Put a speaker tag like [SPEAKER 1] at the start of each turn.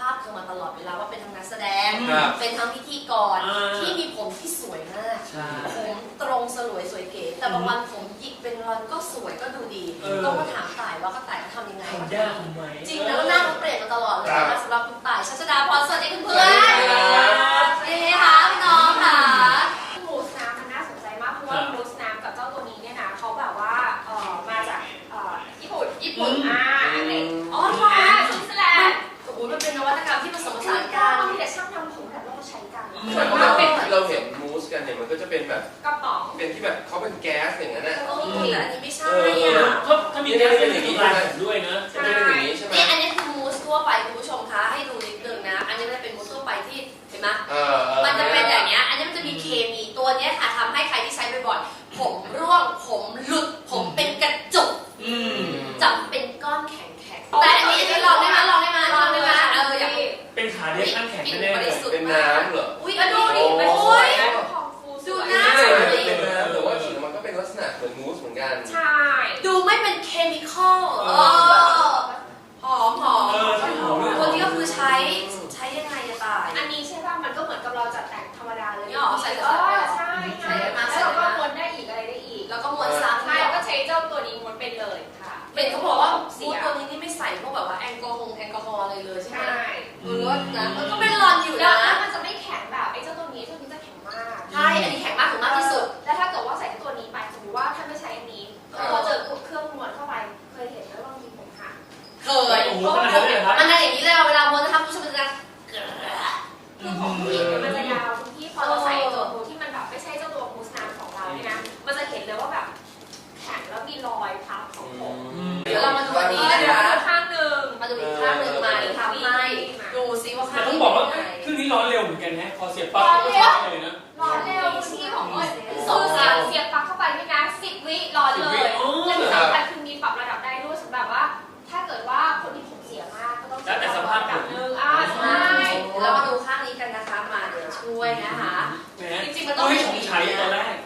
[SPEAKER 1] าพเธอมาตลอดเวลาว่าเป็นทั้งนักแสดงเป็นทั้งพิธีกรที่มีผมที่สวยมากผมตรงสลวยสวยเก๋แต่บางวันผมหยิกเป็นรอนก็สวยก็ดูดีต้องมาถามต่ายว่าก็ต่ายเขาทำยังไงจริงแล้วหน้าเขาเปลี่ยนมาตลอดเลยนะสำหรับคุณต่ายชัชดาพรสวัสดีเพื่อนนี่ค่ะพี่น้องค่ะ
[SPEAKER 2] มูสน้ำมันน่าสนใจมากเพราะว่ามูสน้ำกับเจ้าตัวนี้เนี่ยนะเขาแบบว่ามาจากญี่ปุ่นอังกฤษสวิตเซอร์แลนด์
[SPEAKER 1] โอ้โหมันเป็นนวัตกรรมที่ผสมผสานกัน
[SPEAKER 2] มีแต่ช่างทำผมแบบเราก็ใช้กัน
[SPEAKER 3] ส่วนมากเราเห็นมูสกันเนี่ยมันก็จะเป็นแบบ
[SPEAKER 2] กระป๋อง
[SPEAKER 3] เป็นที่แบบเขาเป็นแก๊สอย่างนั้นนะ
[SPEAKER 1] แต่อันนี้ไม่ใช่
[SPEAKER 4] ถ้ามีแก๊สเป็นอย่างนี้ด้วยนะ
[SPEAKER 3] จะเป็นอย่างนี้ใช่ไหม
[SPEAKER 1] นี่อันนี้คือมูสทั่วไปคุณผู้ชมคะให้ดูนิดนึงนะอันนี้มันเป็นมูสทั่วไปที่เห็นไหมมันจะเป็นอย่างเงี้ยอันนี้มันจะมีเคมีตัวนี้ค่ะทำให้ใครที่ใช้บ่อยๆผมร่วงผมหลุดผมเป็นกระจุกจับเป็นก้อนแข็งแต่อันนี้ลองได้ไหมอยาก
[SPEAKER 4] เป็นขาเดียวขั้นแข็งแน่เลย
[SPEAKER 3] เป็นน้ำเหรอ
[SPEAKER 1] อุ้ยดูดิโอ้ยดูหน้า
[SPEAKER 3] เป็นน้ำแต่ว่าฉีดมันก็เป็นลักษณะเหมือนมูสเหมือนกัน
[SPEAKER 2] ใช่
[SPEAKER 1] ดูไม่เป็นเคมีคอลหอมคนนี้ก็คือใช้ยังไงจะตาย
[SPEAKER 2] อันนี้ใช่ป่ะมันก็เหมือนกับเราจัดแต่งธรรมดาเลย
[SPEAKER 1] ใส่
[SPEAKER 2] ใช่แล้วเราก็ม้วนได้อีกอะไรได้อีก
[SPEAKER 1] แล้วก็ม้วนซ้ำ
[SPEAKER 2] ใช่แล้วก็ใช้เจ้าตัวนี้ม้วนเป็นเลยค่ะ
[SPEAKER 1] เป็นเขาบอกว่ามูสตัวนี้นี่ไม่ใส่พวกแบบว่าแอลกอฮอล์อะไรเลยใช่ไหมรสนะมันก็เป็นรอนอยู่นะ
[SPEAKER 2] แล้วมันจะไม่แข็งแบบไอ้เจ้าตัวนี้จะแข็งมาก
[SPEAKER 1] ใช่อันนี้แข็งมากถึงมากที่สุด
[SPEAKER 2] แล้วถ้าเกิดว่าใส่ตัวนี้ไปสมมติว่าถ้าไม่ใช้อันนี้พอเจอเครื่องม้วนเข้าไปเคยเห็นไหมว่ามีผมหัก
[SPEAKER 1] เคยมันอะไรอย่างนี้เลยเวลาม้วนจะทำผู้ชมจะ
[SPEAKER 2] คือผมผู้หญิงมันจะยาวทุกที่พอเราใส่ตัวมูที่มันแบบไม่ใช่เจ้าตัวมูสน้ำของเราเนี่ยนะมันจะเห็นเลยว่าแบบแข็งแล้วมีรอยพับของผม
[SPEAKER 1] เดี๋ยวเรามาดูอันนี้นะคะ
[SPEAKER 2] ข้างหนึ่ง
[SPEAKER 1] มาดูอีกข้างหนึ่งมาทำให้ดูซิว่าข้าง
[SPEAKER 4] ต้องบอกว่าเครื่องนี้ร้อนเร็วเหมือนกันนะพอเสียบปลั๊กก็ใช้เลยนะ
[SPEAKER 2] ร้อนเร็วที่ของอ้นเสียบปลั๊กเข้าไปไม่นาน10 วิร้อนเลยและที่สำคัญคือมีปรับระดับได้ด้วยสำหรับว่าถ้าเกิดว่าคนที่ผมเสียมากก็ต้อง
[SPEAKER 4] แต่สภาพ
[SPEAKER 2] แบบนึงใช่
[SPEAKER 1] เรามาดูข้างนี้กันนะคะมาเดี๋ยวช่วยนะคะ
[SPEAKER 4] จริงๆมันต้องให้ผมใช้ตอนแรก